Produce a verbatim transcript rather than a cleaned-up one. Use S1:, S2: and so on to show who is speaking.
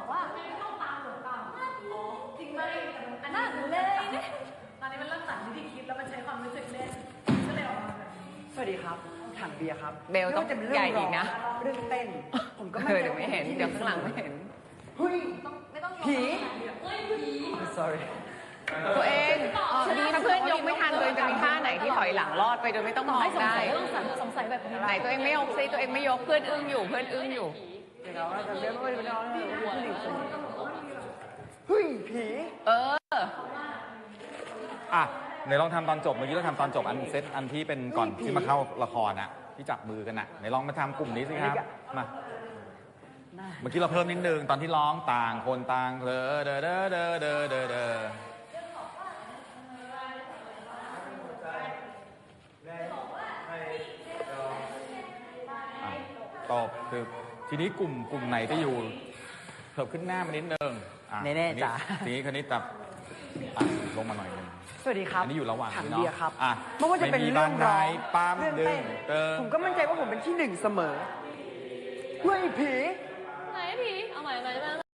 S1: บอกว่าต้องตามหรือเปล่าอ๋อจริงไหมอันนั้นเลยเนี่ยตอนนี้มันเริ่มตัดวิธีคิดแล้วมันใช้ความรู้สึกเล่นก็เลยออกมาแบบนี้
S2: สวัสดีครับถังเบียร์ครับ
S3: เบลต้องใหญ่อีกนะ
S2: เรื่องเต้นผมก็
S3: เออเดี๋ยวไม่เห็นเดี๋ยวข้างหลังไม่เห็น
S2: เฮ้ย
S1: ไม่ต้อง
S2: ผี
S1: เฮ้ยผี
S2: sorry
S3: ตัวเองถ้าเพื่อนยกไม่ทันตัวเองจะมีท่าไหนที่ถอยหลังรอดไปโดยไม่ต้องมอง
S1: ให้สง
S3: ได้
S1: สัยก็ต้องสงสัยแบบนี้
S3: ไหนตัวเองไม่ยกซิตัวเองไม่ยกเพื่อนอึ้งอยู่เพื่อนอึ้งอยู่
S2: เดี๋ยวเราจะเบียร์ไม่ได้ไม่ได้เฮ้ยผี
S3: เออ
S4: อ่ะไหนลองทำตอนจบเมื่อกี้เราทำตอนจบอันเซตอันที่เป็นก่อนที่มาเข้าละครอ่ะที่จับมือกันอ่ะไหนลองมาทำกลุ่มนี้สิครับมาเมื่อกี้เราเพิ่มนิดนึงตอนที่ร้องต่างคนต่างเดอเดอเดอเดอเดอเดอเดอตอบคือทีนี้กลุ่มกลุ่มไหนจะอยู่เพิ่มขึ้นหน้ามานิดนึงอ่ะ
S2: แน่ๆจ้ะ
S4: ทีนี้คนนี้ตับอ่ะลงมาหน่อยนึง
S2: สวัสดีครับ
S4: อันนี้อยู่ระหว่าง
S2: ถัง
S4: เนาะ
S2: เบียร์ครับ
S4: อ่ะ
S2: ไม่ว่าจะเป็น
S4: ไม่มี
S2: เรื่องร้อง
S4: บ้านไหนปั๊ม
S2: เรื่อง
S4: ดึง
S2: เต้น
S4: เติม
S2: ผมก็มั่นใจว่าผมเป็นที่หนึ่งเสมอเฮ้ยผี
S1: ไหนผีเอาใหม่ใหม่